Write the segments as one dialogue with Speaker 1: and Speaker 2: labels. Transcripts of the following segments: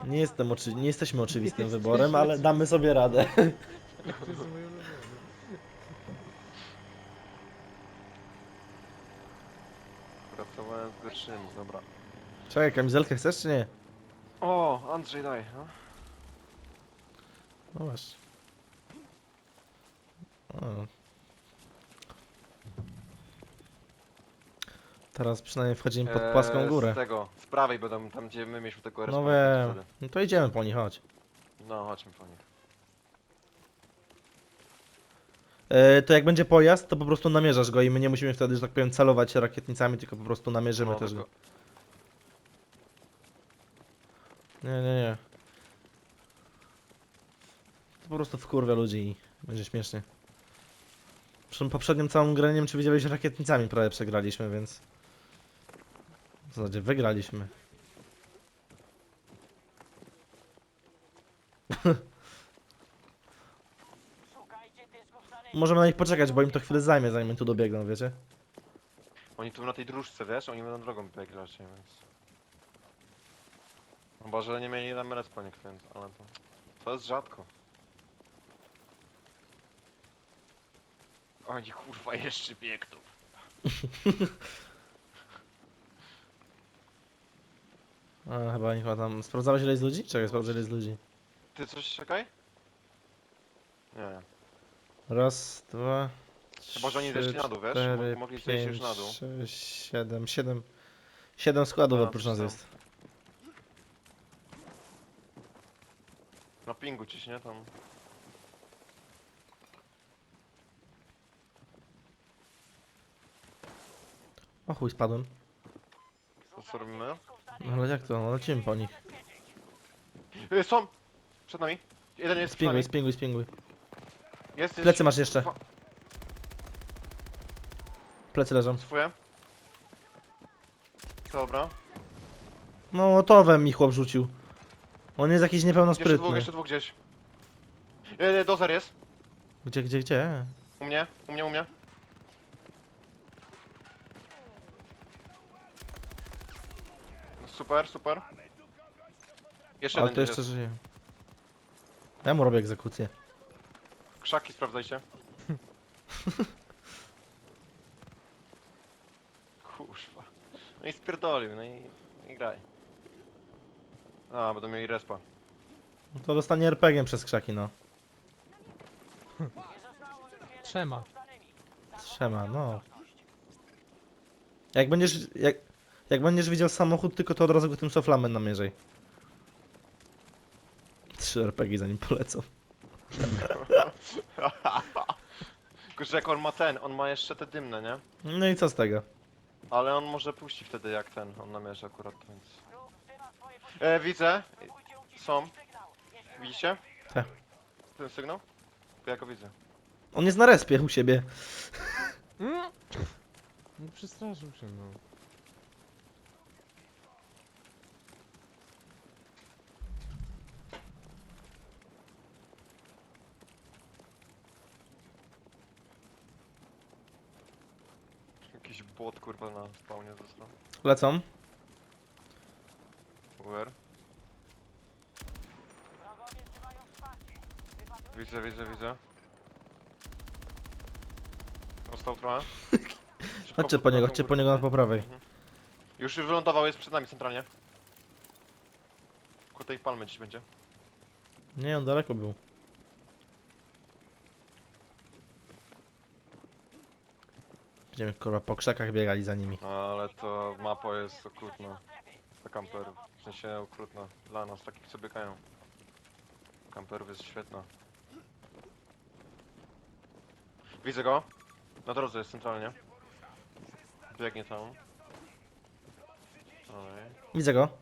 Speaker 1: Nie jesteśmy oczywistym wyborem, ale damy sobie radę.
Speaker 2: To jest mój ulubiony.
Speaker 3: Pracowałem z gorszymi, dobra.
Speaker 1: Czekaj, kamizelkę chcesz czy nie?
Speaker 3: O, Andrzej daj, no.
Speaker 1: No masz. O. Teraz przynajmniej wchodzimy pod płaską górę.
Speaker 3: Z tego, z prawej będą, tam gdzie my mieliśmy tego
Speaker 1: No
Speaker 3: responsa
Speaker 1: wiem.
Speaker 3: wtedy.
Speaker 1: No to idziemy po nich, chodź.
Speaker 3: No, chodźmy po nich.
Speaker 1: To jak będzie pojazd, to po prostu namierzasz go i my nie musimy wtedy, że tak powiem, celować rakietnicami, tylko po prostu namierzymy
Speaker 3: No,
Speaker 1: też go.
Speaker 3: tylko-
Speaker 1: Nie. To po prostu wkurwia ludzi i będzie śmiesznie. Przy poprzednim całym grę, nie wiem czy widziałeś, rakietnicami prawie przegraliśmy, więc... W zasadzie wygraliśmy. Możemy na nich poczekać, bo im to chwilę zajmie, zanim tu dobiegną, wiecie?
Speaker 3: Oni tu na tej dróżce, wiesz? Oni będą drogą biegli raczej, więc... Chyba, że nie mieli tam respa nikt, więc... ale to... To jest rzadko. Oni kurwa jeszcze biegną.
Speaker 1: A, chyba tam... Sprawdzałeś ile jest ludzi? Czekaj, sprawdzę ile jest ludzi.
Speaker 3: Ty coś czekaj? Nie.
Speaker 1: Raz, dwa...
Speaker 3: Chyba, że oni zeszli na dół, wiesz?
Speaker 1: cztery,
Speaker 3: Mogli zejść już
Speaker 1: pięć,
Speaker 3: na dół.
Speaker 1: sześć, siedem... Siedem składów
Speaker 3: A,
Speaker 1: oprócz nas
Speaker 3: coś
Speaker 1: jest.
Speaker 3: Na pingu gdzieś, nie? Tam...
Speaker 1: O chuj, spadłem.
Speaker 3: Co robimy?
Speaker 1: No ale jak to? No lecimy po nich.
Speaker 3: Są! Przed nami. Jeden jest przed nami.
Speaker 1: Spinguj.
Speaker 3: Jest.
Speaker 1: Plecy masz jeszcze. Plecy leżą.
Speaker 3: Swoje. Dobra.
Speaker 1: No, motowem mi chłop rzucił. On jest jakiś
Speaker 3: Jeszcze
Speaker 1: niepełnosprytny.
Speaker 3: dwóch gdzieś. Dozer jest.
Speaker 1: Gdzie?
Speaker 3: U mnie. Super. Jeszcze
Speaker 1: Ale
Speaker 3: jeden
Speaker 1: to
Speaker 3: gdzieś
Speaker 1: jeszcze
Speaker 3: jest.
Speaker 1: żyje. Ja mu robię egzekucję.
Speaker 3: Krzaki sprawdzajcie. Kurwa. No i spierdolił, no i graj. A, będą mieli respa.
Speaker 1: No to dostanie RPG przez krzaki, no.
Speaker 2: Trzema.
Speaker 1: Trzema, no. Jak będziesz widział samochód, tylko to od razu go tym soflamem namierzaj. 3 RPG zanim polecą.
Speaker 3: Tylko, że jak on ma jeszcze te dymne, nie?
Speaker 1: No i co z tego?
Speaker 3: Ale on może puści wtedy jak on namierzy akurat, więc... Widzę. Są. Widzicie?
Speaker 1: Tak.
Speaker 3: Ten sygnał? Ja go widzę.
Speaker 1: On jest na respie u siebie.
Speaker 2: No przestraszył się, no.
Speaker 3: Jakiś bot kurwa na spawnie został.
Speaker 1: Lecą.
Speaker 3: Where? Widzę. Został trochę. Szybko
Speaker 1: Chodźcie
Speaker 3: pod
Speaker 1: po niego na po prawej.
Speaker 3: Już wylądował, jest przed nami centralnie. Ku tej palmy gdzieś będzie.
Speaker 1: Nie, on daleko był. Będziemy kurwa po krzakach biegali za nimi.
Speaker 3: No, ale to mapa jest okrutna. Dla kamperów. W sensie okrutna. Dla nas, takich co biegają. Kamperów jest świetna. Widzę go. Na drodze jest centralnie. Biegnie tam. Oj.
Speaker 1: Widzę go.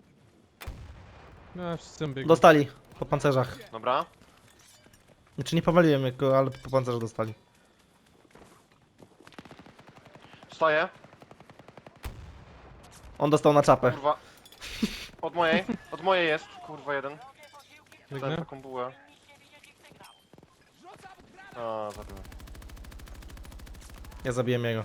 Speaker 2: No, wszyscy tam biegną.
Speaker 1: Dostali. Po pancerzach.
Speaker 3: Dobra.
Speaker 1: Znaczy nie powaliłem go, ale po pancerzu dostali.
Speaker 3: Wstaję.
Speaker 1: On dostał na czapę.
Speaker 3: Kurwa. Od mojej jest. Kurwa jeden. Dałem
Speaker 2: Biegnę.
Speaker 3: taką bułę. A, zabiłem.
Speaker 1: Ja zabiłem jego.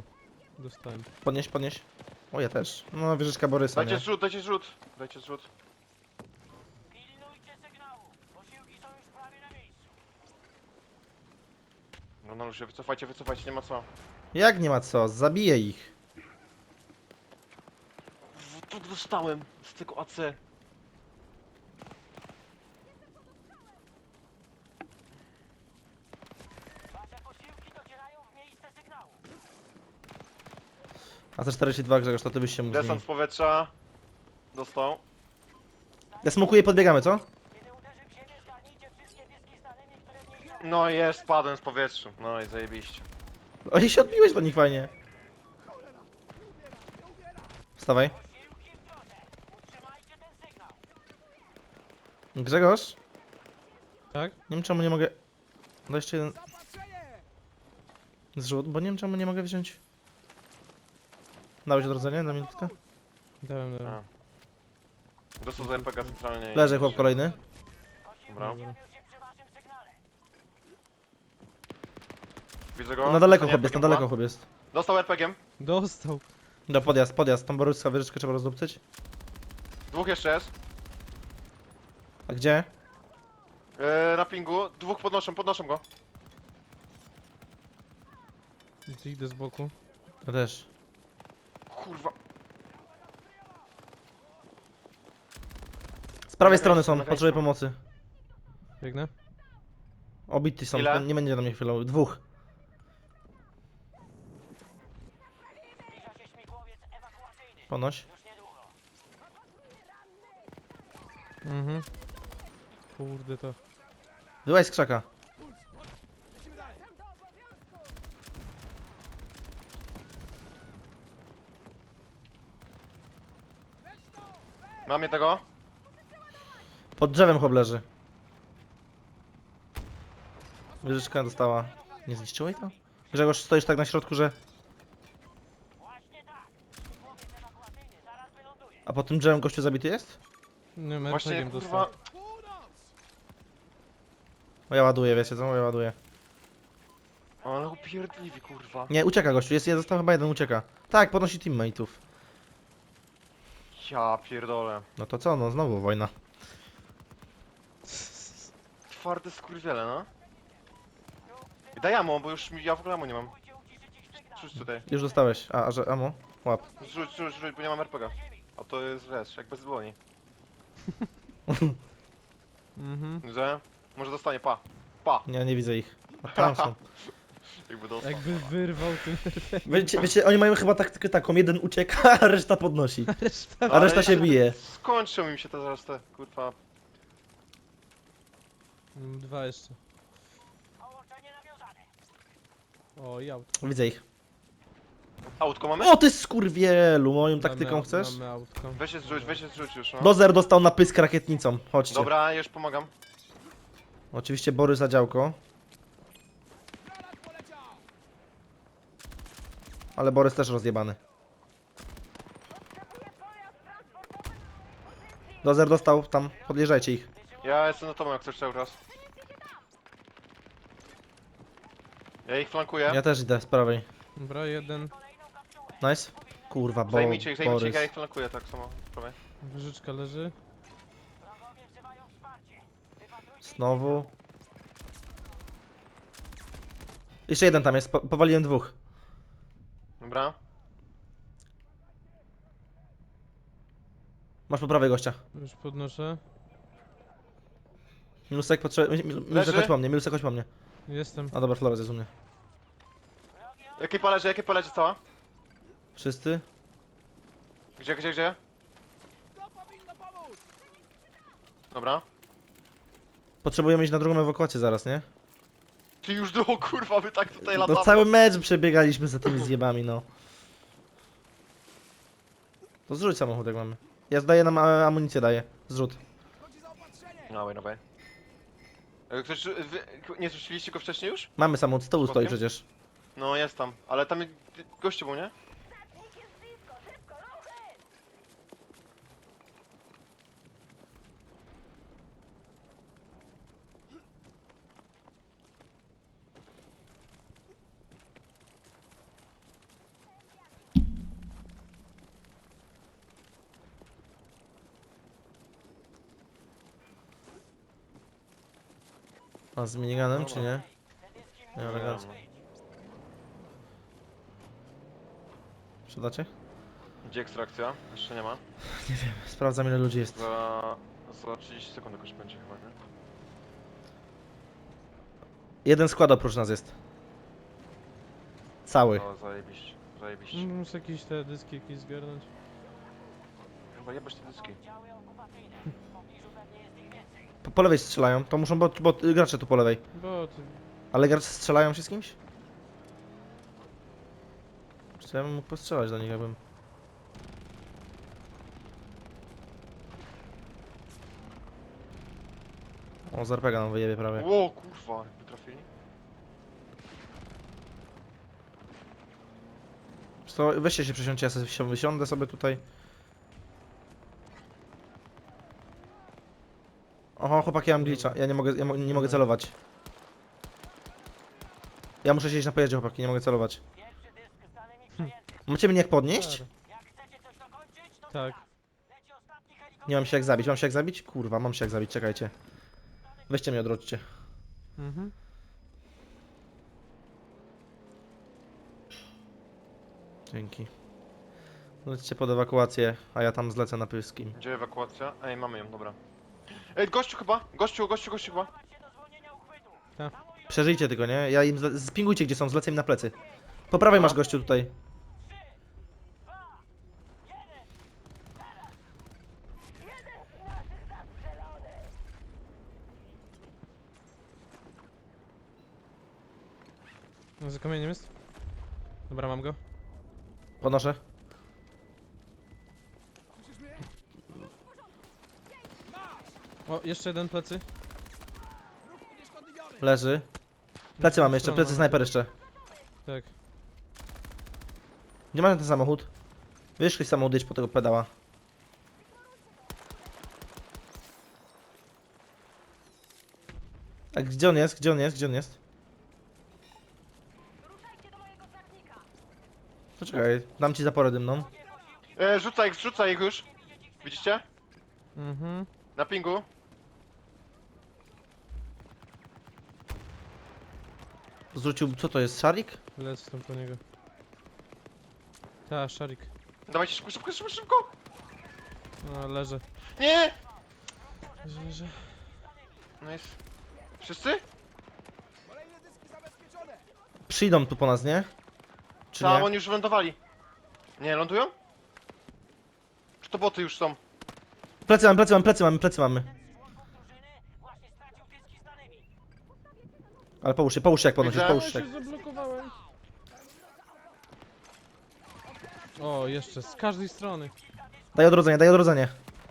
Speaker 2: Dostałem.
Speaker 1: Podnieś. O, ja też. No, wieżyczka Borysa, nie?
Speaker 3: Dajcie zrzut. No no ludzie, wycofajcie, wycofajcie, nie ma co.
Speaker 1: Jak nie ma co? Zabiję ich.
Speaker 3: Tu dostałem z tego AC.
Speaker 1: A te 42 Grzegorz, to ty byś się mógł
Speaker 3: Desant z powietrza. Dostał.
Speaker 1: Ja smokuję i podbiegamy, co?
Speaker 3: No jest, spadłem z powietrza. No i zajebiście.
Speaker 1: Oni się odbiłeś do nich fajnie. Wstawaj. Grzegorz?
Speaker 2: Tak?
Speaker 1: Nie wiem czemu nie mogę... Daj jeszcze jeden... Zrzut, bo nie wiem czemu nie mogę wziąć... Dałeś odrodzenie na minutkę?
Speaker 2: Dałem.
Speaker 3: A. Dostał z RPG centralnie. i-
Speaker 1: Leży chłop kolejny.
Speaker 3: Dobra.
Speaker 2: Dobra.
Speaker 3: Widzę go.
Speaker 1: Na daleko
Speaker 3: Dostanie
Speaker 1: chłop jest, na
Speaker 3: RPG-iem
Speaker 1: daleko
Speaker 3: chyba.
Speaker 1: chłop jest.
Speaker 3: Dostał RPG-iem.
Speaker 2: Dostał.
Speaker 1: No podjazd, podjazd. Tą boruska wieżyczkę trzeba rozdupcyć.
Speaker 3: Dwóch jeszcze jest.
Speaker 1: A gdzie?
Speaker 3: Na pingu. Dwóch podnoszą go.
Speaker 2: Idę z boku.
Speaker 1: Ja też.
Speaker 3: Kurwa.
Speaker 1: Z prawej
Speaker 3: Czekaj,
Speaker 1: strony są,
Speaker 3: czekaj.
Speaker 1: potrzebuję pomocy.
Speaker 2: Biegnę.
Speaker 1: Obity są,
Speaker 3: Ile?
Speaker 1: nie będzie na mnie chwilą. Dwóch. Ponoś.
Speaker 2: Mhm. Kurde to.
Speaker 1: Wyłaź z krzaka.
Speaker 3: Mam jednego.
Speaker 1: Pod drzewem chłop leży. Wieżyczka dostała. Nie zniszczyło jej to? Grzegorz, stoisz tak na środku, że... A pod tym drzewem gościu zabity jest?
Speaker 2: Nie,
Speaker 3: Właśnie
Speaker 2: mercegiem
Speaker 3: kurwa.
Speaker 2: dostał.
Speaker 1: O, ja ładuję, wiecie co? Ja ładuję.
Speaker 3: Ale upierdliwi kurwa.
Speaker 1: Nie, ucieka gościu, jest, został chyba jeden, ucieka. Tak, podnosi teammate'ów.
Speaker 3: Ja pierdolę.
Speaker 1: No to co, no znowu wojna.
Speaker 3: Twarde skurwiele, no. I daj ammo, bo już ja w ogóle ammo nie mam. Rzuć tutaj.
Speaker 1: Już dostałeś. A że amo? Łap.
Speaker 3: Rzuć, bo nie mam RPG. A to jest, wiesz, jak bez dłoni.
Speaker 2: Mhm.
Speaker 3: Że? Może dostanie, pa. Pa.
Speaker 1: Nie, nie widzę ich. A tam są.
Speaker 3: Jakby dostał.
Speaker 2: Jakby wyrwał tym.
Speaker 1: Wiecie, oni mają chyba taktykę taką, jeden ucieka, a reszta podnosi.
Speaker 2: Reszta.
Speaker 1: A reszta
Speaker 3: Ale
Speaker 1: się bije.
Speaker 3: Skończą im się te zaraz te, kurwa.
Speaker 2: Dwa jeszcze. O, i autko.
Speaker 1: Widzę ich.
Speaker 3: Autko mamy?
Speaker 1: O ty skurwielu, moją taktyką
Speaker 2: Mamy-
Speaker 1: chcesz?
Speaker 2: Mamy autko.
Speaker 3: Weź się zrzuć już, no.
Speaker 1: Dozer dostał na pysk rakietnicą, chodźcie.
Speaker 3: Dobra, już pomagam.
Speaker 1: Oczywiście Borys za działko. Ale Borys też rozjebany. Dozer dostał tam, podjeżdżajcie ich.
Speaker 3: Ja jestem na tobą jak chcesz cały czas. Ja ich flankuję.
Speaker 1: Ja też idę z prawej.
Speaker 2: Dobra, jeden.
Speaker 1: Nice. Kurwa,
Speaker 3: Zajmijcie ich,
Speaker 1: Borys.
Speaker 3: ja ich flankuję tak samo. Prawie.
Speaker 2: Wyżyczka leży.
Speaker 1: Znowu. Jeszcze jeden tam jest, powaliłem dwóch.
Speaker 3: Dobra.
Speaker 1: Masz po prawej gościa.
Speaker 2: Już podnoszę.
Speaker 1: Minusek potrzebuje. Minusek
Speaker 3: Leży?
Speaker 1: chodź po mnie, minusek chodź po mnie.
Speaker 2: Jestem.
Speaker 1: A dobra, Flores jest u mnie.
Speaker 3: Jakie pależy cała?
Speaker 1: Wszyscy?
Speaker 3: Gdzie? Dobra.
Speaker 1: Potrzebujemy iść na drugą ewakuację zaraz, nie?
Speaker 3: Ty już do kurwa, wy tak tutaj
Speaker 1: No
Speaker 3: latamy.
Speaker 1: cały mecz przebiegaliśmy za tymi zjebami, no. To zrzuć samochód jak mamy. Ja zdaję nam amunicję, daję. Zrzut.
Speaker 3: Dawaj. Ktoś, nie zrzuciliście go wcześniej już?
Speaker 1: Mamy samochód, z tyłu stoi
Speaker 3: Przypadkiem?
Speaker 1: przecież.
Speaker 3: No jest tam, ale tam gościu był, nie?
Speaker 1: A z miniganem, czy nie? Nie,
Speaker 3: Nie
Speaker 1: elegancko.
Speaker 3: wiem,
Speaker 1: Sprzedacie?
Speaker 3: Gdzie ekstrakcja? Jeszcze nie ma.
Speaker 1: Nie wiem, sprawdzam ile ludzi jest.
Speaker 3: Za 30 sekund jakoś będzie chyba, nie?
Speaker 1: Jeden skład oprócz nas jest. Cały.
Speaker 3: O, zajebiście, zajebiście.
Speaker 2: Muszę jakieś te dyski jakieś zgarnąć.
Speaker 3: Chyba jebać te dyski.
Speaker 1: Po lewej strzelają, to muszą, bo gracze tu po lewej.
Speaker 2: Bo ty...
Speaker 1: Ale gracze strzelają się z kimś? Czy ja bym mógł postrzelać do nich, jakbym... O, z RPG nam wyjebie prawie.
Speaker 3: Ło, kurwa, jakby trafili.
Speaker 1: To weźcie się przesiądźcie, ja sobie wysiądę sobie tutaj. Oho, chłopaki, ja mam glitcha. Ja nie mogę, nie mogę celować. Ja muszę siedzieć na pojeździe, chłopaki, nie mogę celować. Macie mnie jak podnieść?
Speaker 2: Tak.
Speaker 1: Nie mam się jak zabić, mam się jak zabić? Kurwa, mam się jak zabić, czekajcie. Weźcie mnie, odrodźcie.
Speaker 2: Mhm.
Speaker 1: Dzięki. Lećcie pod ewakuację, a ja tam zlecę na pyskim.
Speaker 3: Gdzie ewakuacja? Ej, mamy ją, dobra. Ej, gościu chyba! Gościu chyba!
Speaker 1: Przeżyjcie tylko, nie? Ja im spingujcie gdzie są, zlecę im na plecy. Po prawej masz gościu tutaj.
Speaker 2: No, za kamieniem jest? Dobra, mam go.
Speaker 1: Podnoszę.
Speaker 2: O, jeszcze jeden plecy.
Speaker 1: Leży. Plecy mamy jeszcze, plecy snajper jeszcze.
Speaker 2: Tak.
Speaker 1: Gdzie mamy ten samochód? Wyszli samochód, jedź po tego pedała. A gdzie on jest? Gdzie on jest? Gdzie on jest? Poczekaj, dam ci zaporę dymną.
Speaker 3: Rzucaj ich już! Widzicie?
Speaker 2: Mhm.
Speaker 3: Na pingu.
Speaker 1: Zrzucił, co to jest, szarik?
Speaker 2: Lecę tam po niego. Ta, szarik.
Speaker 3: Dawajcie szybko!
Speaker 2: No, leżę.
Speaker 3: Nie!
Speaker 2: Leżę.
Speaker 3: Nice. Wszyscy?
Speaker 1: Przyjdą tu po nas, nie? Czy
Speaker 3: Tam,
Speaker 1: nie?
Speaker 3: oni już wylądowali. Nie, lądują? Czy to boty już są?
Speaker 1: Plecy mamy, plecy mamy, plecy mamy, plecy mamy. Ale połóż się jak podnosisz,
Speaker 3: Widzę.
Speaker 1: połóż
Speaker 2: Ja
Speaker 1: się.
Speaker 2: się zablokowałem. O, jeszcze z każdej strony.
Speaker 1: Daj odrodzenie, daj odrodzenie.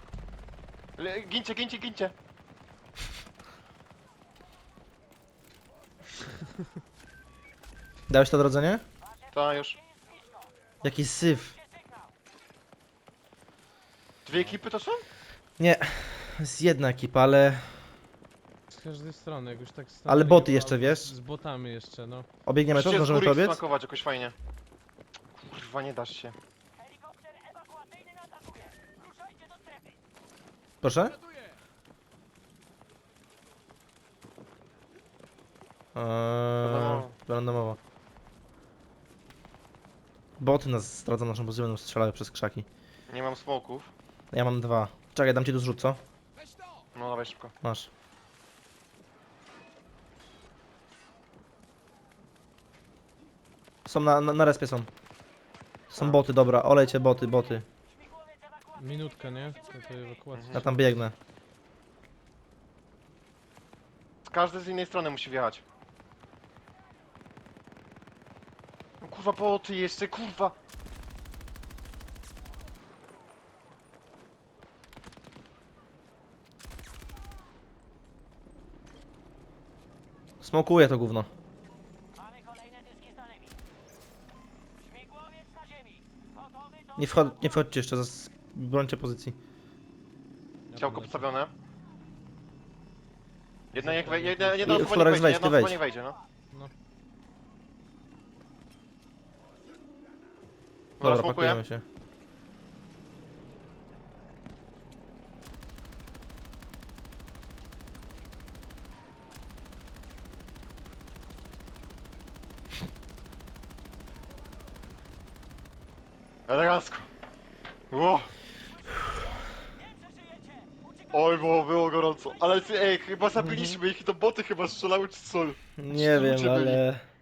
Speaker 3: Gincie!
Speaker 1: Dałeś to odrodzenie?
Speaker 3: Ta już.
Speaker 1: Jaki syf.
Speaker 3: Dwie ekipy to są?
Speaker 1: Nie, jest jedna ekipa, ale
Speaker 2: Z każdej strony, jak już tak
Speaker 1: Ale
Speaker 2: stanęli,
Speaker 1: boty
Speaker 2: to
Speaker 1: jeszcze,
Speaker 2: albo
Speaker 1: wiesz?
Speaker 2: Z botami jeszcze, no.
Speaker 1: obiegniemy to,
Speaker 3: Musicie z
Speaker 1: zdążymy
Speaker 3: góry
Speaker 1: to
Speaker 3: ich
Speaker 1: obiec?
Speaker 3: smakować jakoś fajnie. Kurwa, nie dasz się.
Speaker 1: Proszę?
Speaker 3: Randomowo.
Speaker 1: Randomowo. Boty nas zdradzą naszą pozycję, będą strzelały przez krzaki.
Speaker 3: Nie mam smoków.
Speaker 1: Ja mam 2. Czekaj, dam ci tu zrzut, co?
Speaker 3: No dawaj szybko.
Speaker 1: Masz. Są na respie są. Są
Speaker 3: A.
Speaker 1: boty, dobra, olejcie boty.
Speaker 2: Minutka, nie? Do tej ewakuacji.
Speaker 1: Ja tam biegnę.
Speaker 3: Z każdej z innej strony musi wjechać. No kurwa, boty jeszcze, kurwa!
Speaker 1: Smokuję to gówno. Nie wchodźcie jeszcze, brońcie pozycji.
Speaker 2: Ja
Speaker 3: Ciałko
Speaker 2: polecę.
Speaker 3: postawione. Jedna jak
Speaker 2: Zostawię
Speaker 3: wejdzie,
Speaker 2: jakieś-
Speaker 3: jedna osoba nie
Speaker 1: Florex,
Speaker 3: wejdzie,
Speaker 1: wejdź,
Speaker 3: jedna
Speaker 1: ty
Speaker 3: osoba
Speaker 1: wejdź.
Speaker 3: nie wejdzie, no.
Speaker 2: No.
Speaker 1: Dobra,
Speaker 3: smokuję.
Speaker 1: pakujemy się.
Speaker 3: Elegancko. Ło. Oj, było gorąco. Ale ej, chyba zabiliśmy ich i to boty chyba strzelały czy co?
Speaker 1: Nie
Speaker 3: ludzie
Speaker 1: wiem,
Speaker 3: byli.
Speaker 1: ale...